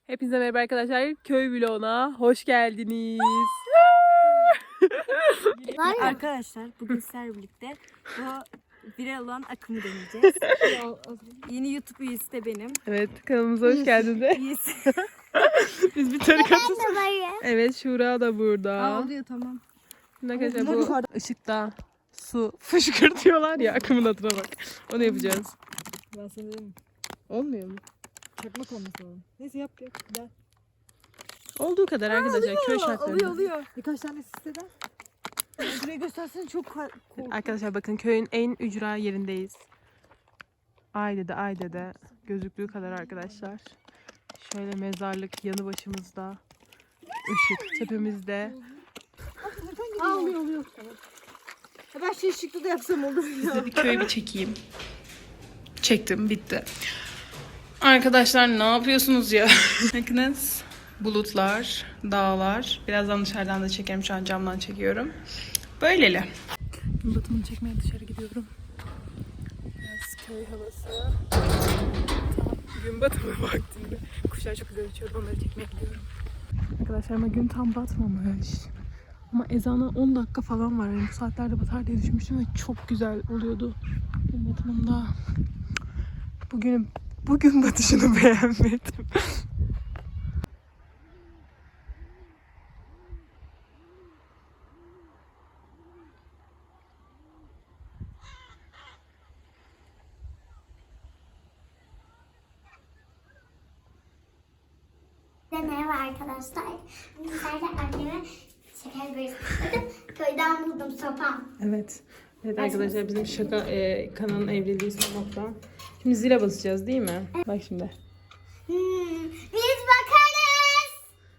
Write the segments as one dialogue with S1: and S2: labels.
S1: Hepinize merhaba arkadaşlar. Köy vloguna hoş geldiniz.
S2: Arkadaşlar bugün sizlerle birlikte bu viral olan akımı deneyeceğiz. Yeni YouTube üyesi de benim.
S1: Evet, kanalımıza hoş geldiniz.
S2: Üyesi.
S1: Biz bir tarikatız. Evet, Şura da burada.
S2: Oluyor tamam.
S1: Şimdi arkadaşlar bu ışıkta su fışkırtıyorlar ya, akımın adına bak. Onu yapacağız.
S2: Ben sana dedim.
S1: Olmuyor mu?
S2: Çakmak olması lazım. Neyse yap. Gel.
S1: Olduğu kadar arkadaşlar, köy şartlarında.
S2: Oluyor. Birkaç tane siteden. Buraya göstersen çok korkunç.
S1: Arkadaşlar bakın, köyün en ücra yerindeyiz. Ayde'de gözüktüğü kadar arkadaşlar. Şöyle mezarlık yanı başımızda. Işık tepemizde.
S2: Oluyor. Ben şey ışıklı da yapsam olur ya.
S1: Size bir köyü bir çekeyim. Çektim, bitti. Arkadaşlar ne yapıyorsunuz ya? Bakınız, bulutlar, dağlar. Birazdan dışarıdan da çekerim, şu an camdan çekiyorum. Böyleli. Gün batımını çekmeye dışarı gidiyorum. Biraz köy havası. Tam gün batımı vaktinde. Kuşlar çok güzel uçuyordu, onları çekmeye gidiyorum. Arkadaşlar ama gün tam batmamış. Ama ezana 10 dakika falan var. Yani bu saatlerde batar diye düşünmüştüm ve çok güzel oluyordu gün batımında. Bugün batışını beğenmedim.
S3: Merhaba arkadaşlar. Bizlerle anneme şeker börek. Bakın köyden buldum sopam.
S1: Evet. Evet arkadaşlar, bizim şaka kanalın evliliği son nokta. Şimdi zile basacağız değil mi? Bak şimdi.
S3: Biz bakarız.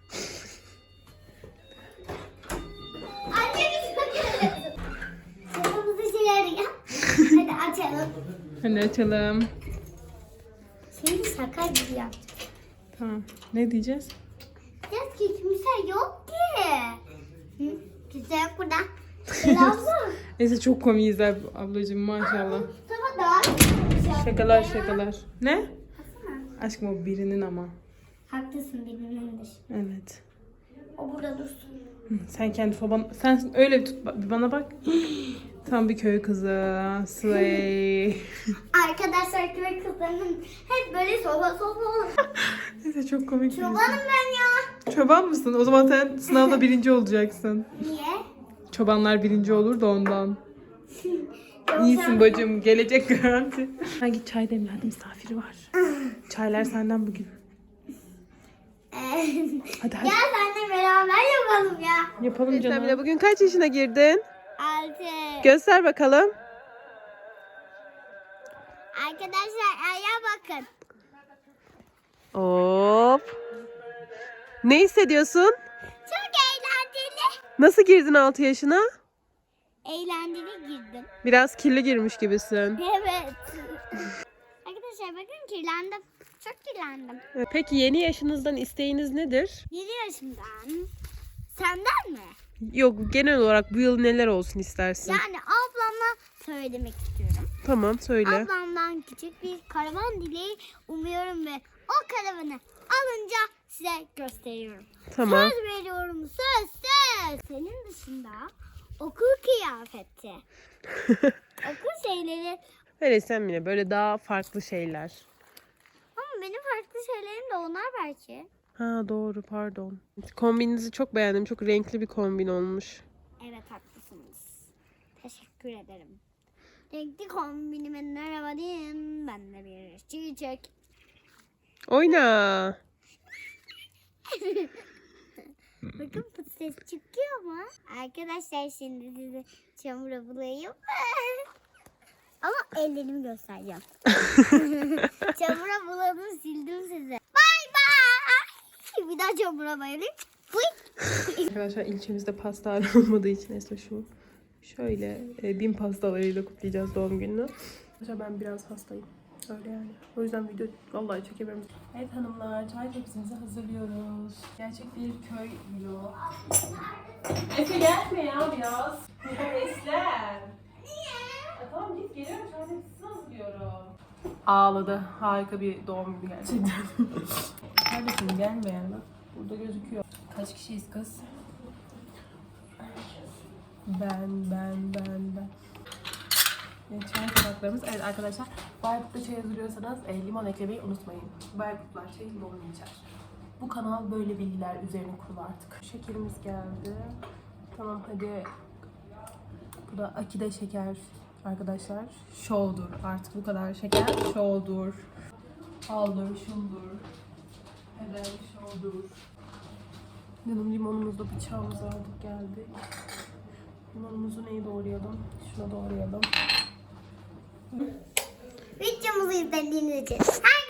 S3: Anne biz bakarız. Sopamızı çıkarıyor. Hadi açalım.
S1: Hadi açalım.
S3: Şimdi şaka gibi yapacağız.
S1: Tamam. Ne diyeceğiz?
S3: Diyeceğiz ki kimse yok ki. Kimse yok burada. Abla.
S1: Neyse, çok komiyiz ablacığım, maşallah.
S3: Sopa daha
S1: Şakalar. Ne?
S3: Baksana.
S1: Aşkım o birinin ama.
S3: Haklısın birbirindir.
S1: Evet.
S3: O burada dursun.
S1: Sen kendi soban... Sen öyle bir tut, bir bana bak. Tam bir köy kızı. Slay.
S3: Arkadaşlar köy kızlarının hep böyle soba.
S1: Neyse, çok komik.
S3: Çobanım ben ya.
S1: Çoban mısın? O zaman sen sınavda 1. olacaksın.
S3: Niye?
S1: Çobanlar 1. olur da ondan.
S3: Yoksa-
S1: İyisin bacım. Gelecek garanti. Ha, git çay demle. Hadi, misafiri var. Çaylar senden bugün. Hadi.
S3: Gel seninle beraber yapalım ya.
S1: Yapalım canım. Sen bugün kaç yaşına girdin?
S3: 6.
S1: Göster bakalım.
S3: Arkadaşlar ayağa bakın.
S1: Hop. Ne hissediyorsun?
S3: Çok eğlenceli.
S1: Nasıl girdin 6 yaşına?
S3: Eğlenceli girdim.
S1: Biraz kirli girmiş gibisin.
S3: Evet. Arkadaşlar bakın kirlendim. Çok kirlendim.
S1: Peki yeni yaşınızdan isteğiniz nedir?
S3: 7 yaşımdan. Senden mi?
S1: Yok, genel olarak bu yıl neler olsun istersin?
S3: Yani ablama söylemek istiyorum.
S1: Tamam, söyle.
S3: Ablamdan küçük bir karavan dileği umuyorum ve o karavanı alınca size gösteriyorum.
S1: Tamam.
S3: Söz veriyorum, söz. Senin dışında okul kıyafeti, okul şeyleri
S1: Öyle sen bile böyle daha farklı şeyler.
S3: ama benim farklı şeylerim de onlar belki.
S1: Ha, doğru, pardon. Kombininizi çok beğendim. Çok renkli bir kombin olmuş.
S3: Evet haklısınız. Teşekkür ederim. Renkli kombinime merhaba diyeyim. Ben de bir çiçek.
S1: Oyna.
S3: Bakın pıt ses çıkıyor mu? Arkadaşlar şimdi sizi çamura bulayım. Ama ellerimi göstereceğim. Çamura buladım, sildim sizi. Bay bay. Bir daha çamura bayılayım.
S1: Arkadaşlar ilçemizde pastane olmadığı için Esra şöyle 1000 pastalarıyla kutlayacağız doğum gününü. Arkadaşlar ben biraz hastayım. Öyle yani. O yüzden video vallahi çekemiyorum. Evet hanımlar, çay tepsimizi hazırlıyoruz. Gerçek bir köy vlogu. Efe gelme ya biraz. Esler. Tamam git, geliyorum, çay tepsisini hazırlıyorum. Ağladı. Harika bir doğum günü gerçekten. Kardeşim gelme yani. Burada gözüküyor. Kaç kişiyiz kız? Ben. Çay tabaklarımız. Evet arkadaşlar, Bayburt'ta çay hazırlıyorsanız limon eklemeyi unutmayın. Bayburtlar çayı limonlu içer. Bu kanal böyle bilgiler üzerine kurulu artık. Şekerimiz geldi. Tamam hadi. Bu da akide şeker arkadaşlar. Şovdur. Artık bu kadar şeker şovdur. Aldır, şundur. Heder şovdur. Canım limonumuzda bıçağımızı aldık geldik. Limonumuzu neyi doğrayalım? Şuna doğrayalım.
S3: Videomuzu izlediğiniz için